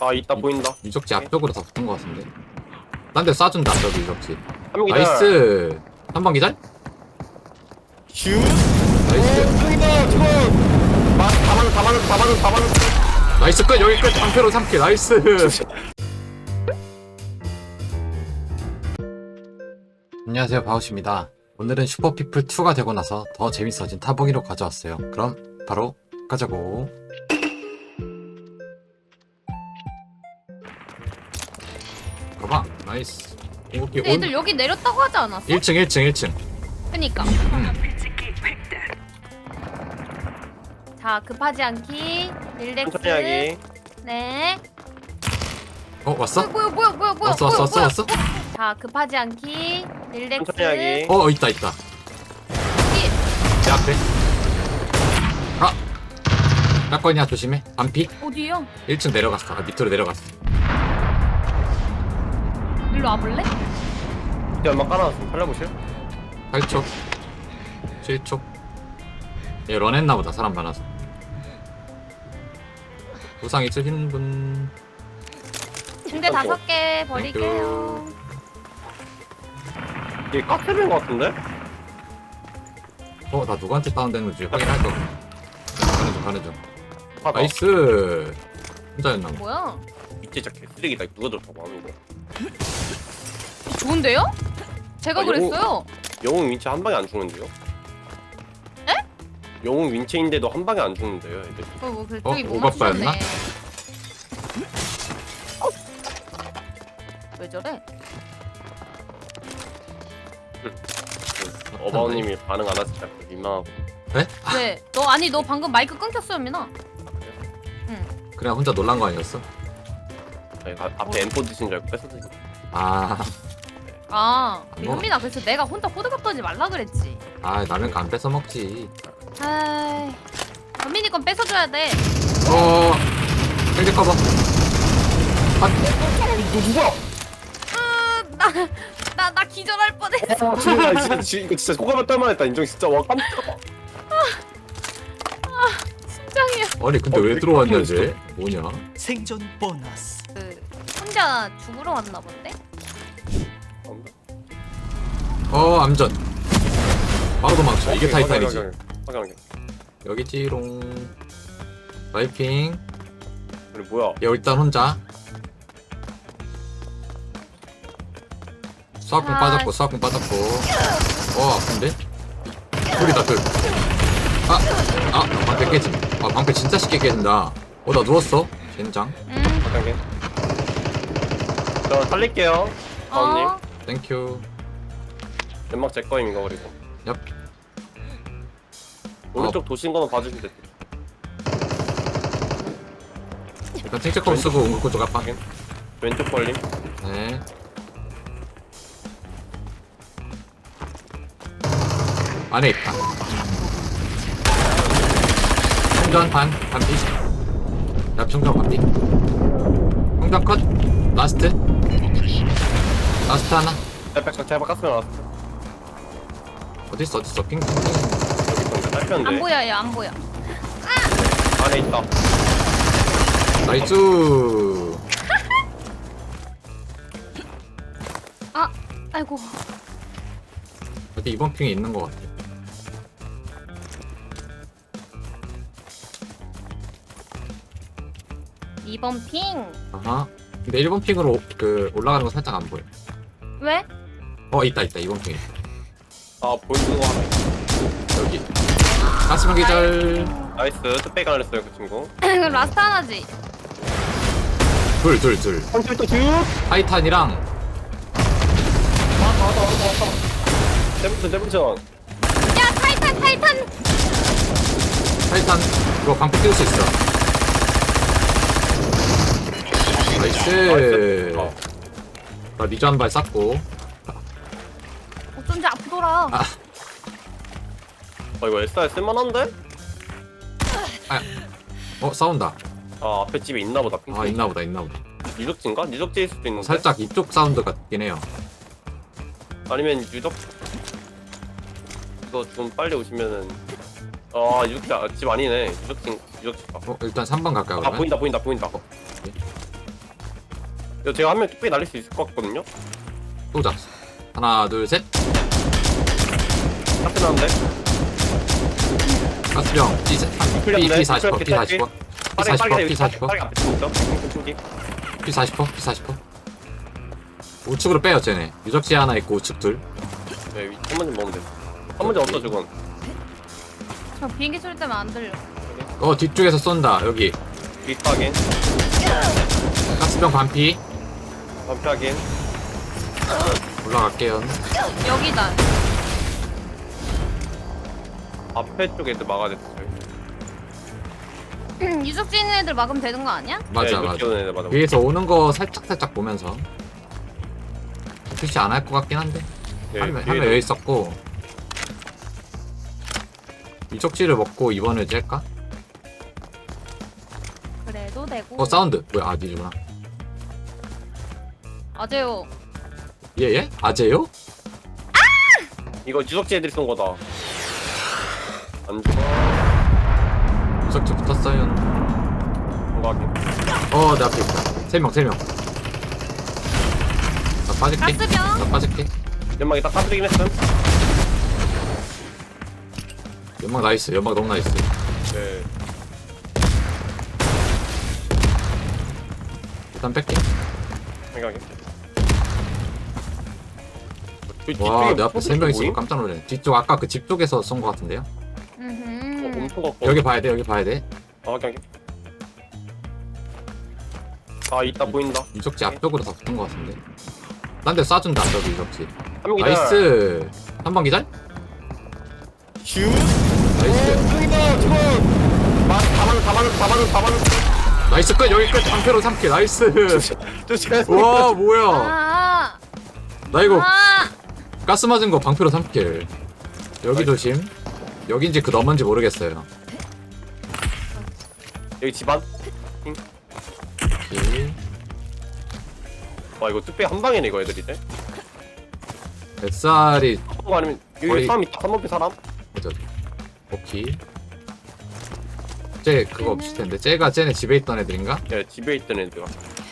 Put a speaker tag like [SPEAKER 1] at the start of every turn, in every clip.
[SPEAKER 1] 아 있다 보인다.
[SPEAKER 2] 유적지 앞쪽으로 다 붙은 것 같은데. 딴 데 쏴준다 저기 유적지.
[SPEAKER 1] 한명 기절.
[SPEAKER 2] 나이스. 한 방 기절?
[SPEAKER 1] 슈.
[SPEAKER 2] 나이스.
[SPEAKER 1] 저기다 저거. 다 맞았어.
[SPEAKER 2] 나이스 끝 여기 끝. 방패로 3킬 나이스. 안녕하세요 바우씨입니다. 오늘은 슈퍼피플2가 되고 나서 더 재밌어진 타보기로 가져왔어요. 그럼 바로 가자고. 가봐. 나이스. 궁극기
[SPEAKER 3] 근데 애들 여기 내렸다고 하지 않았어?
[SPEAKER 2] 1층.
[SPEAKER 3] 그니까. 자, 급하지 않기. 릴렉스.
[SPEAKER 1] 천천히 하기.
[SPEAKER 3] 네.
[SPEAKER 2] 왔어?
[SPEAKER 3] 뭐야.
[SPEAKER 2] 왔어.
[SPEAKER 3] 자, 급하지 않기. 릴렉스.
[SPEAKER 1] 천천히 하기.
[SPEAKER 2] 있다.
[SPEAKER 3] 여기.
[SPEAKER 2] 내 앞에. 깎거냐 조심해. 반피.
[SPEAKER 3] 어디요?
[SPEAKER 2] 1층 내려갔어. 밑으로 내려갔어.
[SPEAKER 3] 일로 와볼래?
[SPEAKER 1] 이제 얼마 깔아놨으면 살려보실?
[SPEAKER 2] 8초 7초. 얘 런했나보다 사람 많아서. 부상 있으신 분.
[SPEAKER 3] 침대 5개 버릴게요.
[SPEAKER 1] 이게 카페인 것 같은데?
[SPEAKER 2] 나 누구한테 다운되는 건지 확인할 거. 가는 중.
[SPEAKER 1] 아,
[SPEAKER 2] 나이스. 혼자였나 봐.
[SPEAKER 3] 뭐야?
[SPEAKER 1] 밑에 진짜 개쓰레기다. 누가 들었다고 하는 거.
[SPEAKER 3] 좋은데요? 제가
[SPEAKER 1] 아,
[SPEAKER 3] 그랬어요.
[SPEAKER 1] 영웅 윈체 한 방에 안 죽는데요?
[SPEAKER 3] 에?
[SPEAKER 1] 영웅 윈체인데도 한 방에 안 죽는데요, 애들.
[SPEAKER 3] 그쪽이 못
[SPEAKER 2] 오바빠였나?
[SPEAKER 3] 맞추셨네. 왜 저래?
[SPEAKER 1] 어바오님이 반응 안 하시니까 민망하고.
[SPEAKER 3] 왜? 너 방금 마이크 끊겼어요, 민아.
[SPEAKER 2] 그냥 혼자 놀란 거 아니었어?
[SPEAKER 1] 아니, 앞에 M4 드신 줄 알고 뺏어 드신.
[SPEAKER 2] 아 먹어.
[SPEAKER 3] 현민아, 그래서 내가 혼자 호들갑 떨지 말라 그랬지.
[SPEAKER 2] 라면 안 뺏어 먹지.
[SPEAKER 3] 아이, 현민이 건 뺏어줘야 돼.
[SPEAKER 2] 생제 커버.
[SPEAKER 1] 누가?
[SPEAKER 3] 나 기절할 뻔했어.
[SPEAKER 1] 이거 진짜 호감을 떨만했다. 인정 진짜 와 깜짝아.
[SPEAKER 3] 심장이야.
[SPEAKER 2] 아니 근데 왜 들어왔냐 쟤? 뭐냐?
[SPEAKER 4] 생존 보너스.
[SPEAKER 3] 혼자 죽으러 왔나 본데?
[SPEAKER 2] 암전. 바로 도망쳐. 이게 타이탄이지.
[SPEAKER 1] 확인하게.
[SPEAKER 2] 여기지롱. 와이핑.
[SPEAKER 1] 그래 뭐야?
[SPEAKER 2] 얘 일단 혼자. 수학궁 빠졌고. 아픈데? 둘이다 둘. 방패 깨짐. 방패 진짜 쉽게 깨진다. 나 누웠어. 젠장.
[SPEAKER 1] 확인하게. 저 살릴게요. 아우님.
[SPEAKER 2] 땡큐.
[SPEAKER 1] 연막 제 거임 이거 그리고.
[SPEAKER 2] 얍.
[SPEAKER 1] 오른쪽 도신 거만 봐주시면 돼.
[SPEAKER 2] 일단 탱체컴 쓰고 옹글코 쪽 아파.
[SPEAKER 1] 확인. 왼쪽 벌림.
[SPEAKER 2] 네. 안에 있다. 충전 반피. 야 충전 반피. 충전 컷. 라스트 하나.
[SPEAKER 1] 제발 깠으면 알았어.
[SPEAKER 2] 어딨어 핑.
[SPEAKER 1] 여기 있던데 딸편데.
[SPEAKER 3] 안 보여, 얘 안 보여.
[SPEAKER 1] 안에 있다.
[SPEAKER 2] 나이스.
[SPEAKER 3] 아이고.
[SPEAKER 2] 어디 이번 핑에 있는 것 같아.
[SPEAKER 3] 이번 핑.
[SPEAKER 2] 아하. 근데 1번 핑으로 올라가는 거 살짝 안 보여.
[SPEAKER 3] 왜?
[SPEAKER 2] 있다 2번 핑에.
[SPEAKER 1] 보이는 거 하나.
[SPEAKER 2] 여기. 가스만 기절.
[SPEAKER 1] 나이스. 뜻백이 안 했어요 그 친구.
[SPEAKER 3] 라스트 하나지.
[SPEAKER 2] 둘.
[SPEAKER 1] 한줄 또 듀.
[SPEAKER 2] 타이탄이랑
[SPEAKER 1] 왔다. 세븐션.
[SPEAKER 3] 야, 타이탄.
[SPEAKER 2] 타이탄 이거 방패 띄울 수 있어. 나이스. 나 리저 한 발 쐈고.
[SPEAKER 3] 어쩐지 아프더라.
[SPEAKER 1] 이거 SR 쓸만한데?
[SPEAKER 2] 싸운다.
[SPEAKER 1] 앞에 집에 있나보다.
[SPEAKER 2] 있나보다.
[SPEAKER 1] 유적지인가? 유적지일 수도 있는데.
[SPEAKER 2] 살짝 이쪽 사운드 같긴 해요.
[SPEAKER 1] 아니면 유적. 이거 좀 빨리 오시면은. 유적지 집 아니네. 유적지.
[SPEAKER 2] 일단 3번 갈까요? 그러면?
[SPEAKER 1] 보인다. 이거 제가 한 명 뚝배기 날릴 수 있을 것 같거든요.
[SPEAKER 2] 쏘자. 하나, 둘, 셋.
[SPEAKER 1] 카페 나는데.
[SPEAKER 2] 가스병. P40퍼, P40퍼. P40퍼, P40퍼.
[SPEAKER 1] 빠르게 앞에 좀 있어. 핑핑핑핑.
[SPEAKER 2] P40퍼, P40퍼. 우측으로 빼요, 쟤네. 유적지 하나 있고 우측 둘.
[SPEAKER 1] 네, 한 번쯤 먹으면 돼. 한 번쯤 없어 저건.
[SPEAKER 3] 저 비행기 소리 때문에 안 들려.
[SPEAKER 2] 뒤쪽에서 쏜다. 여기.
[SPEAKER 1] 빅파겐,
[SPEAKER 2] 가스병 반피.
[SPEAKER 1] 반피하겐.
[SPEAKER 2] 올라갈게요.
[SPEAKER 3] 여기다.
[SPEAKER 1] 앞에 쪽 애들 막아야 됐어.
[SPEAKER 3] 유적지 있는 애들 막으면 되는 거 아니야?
[SPEAKER 2] 맞아,
[SPEAKER 1] 네,
[SPEAKER 2] 맞아.
[SPEAKER 1] 애들 맞아.
[SPEAKER 2] 위에서 오는 거 살짝 보면서. 표시 안 할 것 같긴 한데.
[SPEAKER 1] 네,
[SPEAKER 2] 한명
[SPEAKER 1] 뒤에도.
[SPEAKER 2] 여기 있었고. 유적지를 먹고 2번을 짤까?
[SPEAKER 3] 그래도 되고.
[SPEAKER 2] 사운드. 뭐야, 아, 니구나.
[SPEAKER 3] 아재요.
[SPEAKER 2] 예? 아재요?
[SPEAKER 1] 이거 유적지 애들이 쏜 거다. 안 죽어.
[SPEAKER 2] 유적지 붙었어요.
[SPEAKER 1] 건강하게.
[SPEAKER 2] 내 앞에 있다. 3명. 나 빠질게.
[SPEAKER 3] 가스병.
[SPEAKER 2] 나 빠질게.
[SPEAKER 1] 연막이 딱 까불이긴 했음.
[SPEAKER 2] 연막 나이스. 연막 너무 나이스.
[SPEAKER 1] 네.
[SPEAKER 2] 일단 뺄게.
[SPEAKER 1] 생각해.
[SPEAKER 2] 와, 내 앞에 3명 있어. 깜짝 놀래. 뒤쪽 아까 그 집 쪽에서 쏜 거 같은데요?
[SPEAKER 1] 엄청 갖고.
[SPEAKER 2] 여기 봐야 돼. 여기 봐야 돼.
[SPEAKER 1] 확인. 아, 있다 보인다.
[SPEAKER 2] 유적지 앞쪽으로 다 붙은 거 같은데. 딴 데 쏴준다. 저기 유적지.
[SPEAKER 1] 한 명이다.
[SPEAKER 2] 나이스. 한 번 기절?
[SPEAKER 1] 슈.
[SPEAKER 2] 나이스.
[SPEAKER 1] 죽인다. 죽어. 다 맞았어.
[SPEAKER 2] 나이스 끝. 여기 끝. 방패로 3킬. 나이스.
[SPEAKER 1] 조심해.
[SPEAKER 2] 와, 뭐야.
[SPEAKER 3] 아.
[SPEAKER 2] 나 이거
[SPEAKER 3] 아.
[SPEAKER 2] 가스 맞은 거 방패로 3킬. 여기 조심. 여긴지 그 너머인지 모르겠어요.
[SPEAKER 1] 여기 집안.
[SPEAKER 2] 오케이.
[SPEAKER 1] 와, 이거 뚝배기 한 방이네 이거 애들 이제.
[SPEAKER 2] SR이
[SPEAKER 1] 거 아니면 여기
[SPEAKER 2] 거의-
[SPEAKER 1] 사람 있다. 한번피 사람.
[SPEAKER 2] 어디. 오케이. 쟤 그거 없을 텐데. 쟤네 집에 있던 애들인가?
[SPEAKER 1] 네, 집에 있던 애들.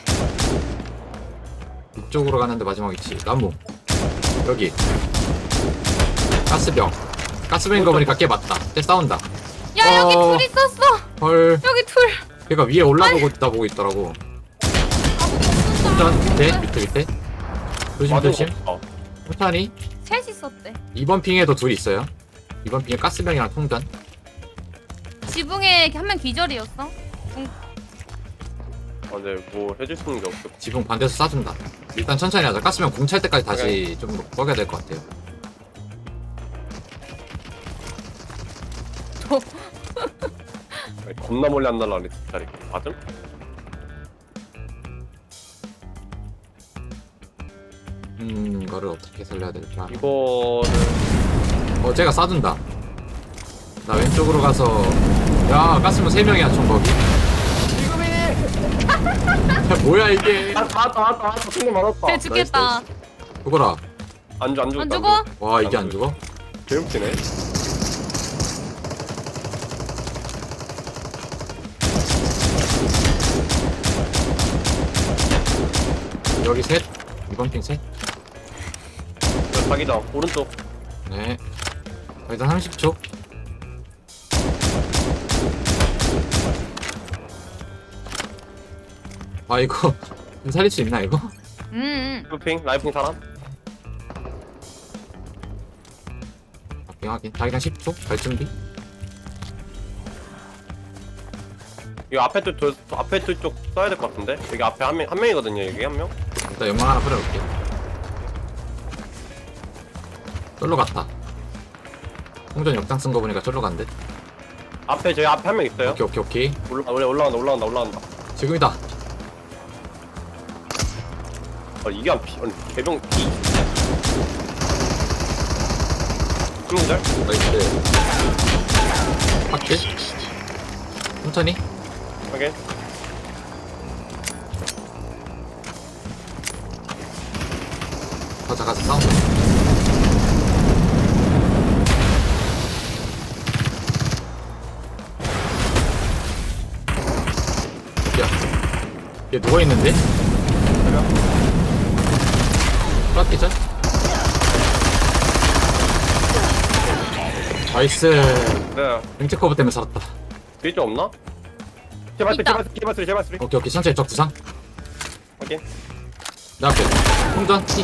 [SPEAKER 2] 이쪽으로 가는데 마지막 있지. 나무. 여기. 가스병. 가스병인 거 보니까 걔 맞다. 쟤 싸운다.
[SPEAKER 3] 야 여기
[SPEAKER 2] 어.
[SPEAKER 3] 둘 있었어.
[SPEAKER 2] 헐.
[SPEAKER 3] 여기 둘.
[SPEAKER 2] 걔가 위에 올라보고 있다 보고 있더라고. 운전 밑에. 조심. 천천히.
[SPEAKER 3] 셋 있었대.
[SPEAKER 2] 2번 핑에도 둘 있어요. 2번 핑에 가스병이랑 통전.
[SPEAKER 3] 지붕에 한 명 기절이었어.
[SPEAKER 1] 아, 네, 뭐 해줄 수 있는 게 없어.
[SPEAKER 2] 지붕 반대에서 쏴준다. 일단 천천히 하자. 가스병 공 찰 때까지 다시 좀 먹여야 될 것 같아요.
[SPEAKER 1] 아니, 겁나 멀리 안 날라가네 진짜. 맞음?
[SPEAKER 2] 이거를 어떻게 살려야 될까?
[SPEAKER 1] 이거는
[SPEAKER 2] 쟤가 쏴준다. 나 왼쪽으로 가서 야 가스병 3명이야 총 거기. 야, 뭐야 이게?
[SPEAKER 1] 다 왔다. 승리 많았다.
[SPEAKER 3] 쟤 죽겠다.
[SPEAKER 2] 죽어라.
[SPEAKER 1] 안 죽어.
[SPEAKER 3] 안 죽어?
[SPEAKER 2] 와 이게 안 죽어?
[SPEAKER 1] 개웃기네.
[SPEAKER 2] 여기 셋. 2번 핑 셋.
[SPEAKER 1] 자기장 오른쪽.
[SPEAKER 2] 네. 일단 30초. 아 이거 살릴 수 있나 이거?
[SPEAKER 1] 루핑 라이핑 사람.
[SPEAKER 2] 확인. 자기장 10초. 갈 준비.
[SPEAKER 1] 이거 앞에 쪽 써야 될 것 같은데. 여기 앞에 한 명이거든요. 여기 한 명.
[SPEAKER 2] 일단 연막 하나 뿌려놓을게. 쫄로 갔다. 홍전 역장 쓴 거 보니까 쫄로 간대.
[SPEAKER 1] 앞에 저희 앞에 한 명 있어요.
[SPEAKER 2] 오케이.
[SPEAKER 1] 올라간다.
[SPEAKER 2] 지금이다.
[SPEAKER 1] 아, 이게 안 피. 아니 개병 피. 한명들.
[SPEAKER 2] 나이스. 확킬. 천천히.
[SPEAKER 1] 확인.
[SPEAKER 2] 가자 싸운다. 야, 얘 누워있는데? 깎기 전. 나이스.
[SPEAKER 1] 네.
[SPEAKER 2] 뱅체 커브 때문에 살았다.
[SPEAKER 1] 뒤에 좀 없나? 제발
[SPEAKER 3] 있다.
[SPEAKER 1] 제발 쓰리.
[SPEAKER 2] 오케이 오케이 천천히 적 구상.
[SPEAKER 1] 확인.
[SPEAKER 2] 내 앞에 통전 티.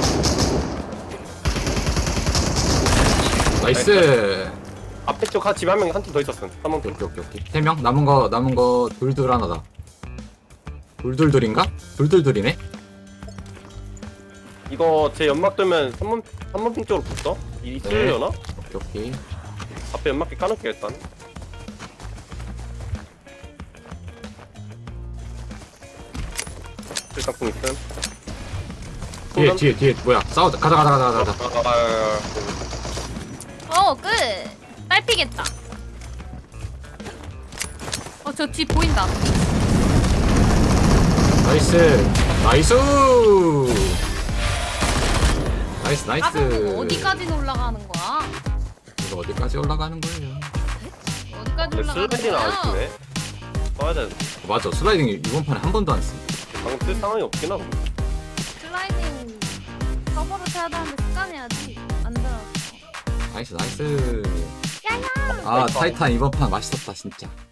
[SPEAKER 2] 나이스.
[SPEAKER 1] 앞에 쪽 한 집에 한 명 한 팀 더 있었음. 3번
[SPEAKER 2] 오케이
[SPEAKER 1] 팀.
[SPEAKER 2] 오케이 오케이. 3명 남은 거 둘둘 하나다. 둘둘둘인가? 둘둘둘이네.
[SPEAKER 1] 이거 제 연막 뜨면 3번 핑 쪽으로 붙어? 있으려나?
[SPEAKER 2] 오케이 오케이.
[SPEAKER 1] 앞에 연막기 까놓게 일단. 일단품 있음.
[SPEAKER 2] 뒤에 뭐야? 싸우자. 가자.
[SPEAKER 3] 끝. 딸피겠다. 저 뒤 보인다.
[SPEAKER 2] 나이스.
[SPEAKER 3] 가서는 어디까지 올라가는 거야?
[SPEAKER 2] 이거 어디까지 올라가는 거예요?
[SPEAKER 3] 어디까지
[SPEAKER 1] 근데
[SPEAKER 3] 올라가는
[SPEAKER 1] 슬라이딩은 안
[SPEAKER 3] 거야?
[SPEAKER 1] 쓰네. 써야 돼.
[SPEAKER 2] 맞아. 슬라이딩 이번 판에 한 번도 안 쓴.
[SPEAKER 1] 방금 쓸 상황이 없긴 하고.
[SPEAKER 3] 슬라이딩 서버로 쳐야 되는데 습관해야지. 안 들어.
[SPEAKER 2] 나이스. 아 타이탄 이번 판 맛있었다 진짜.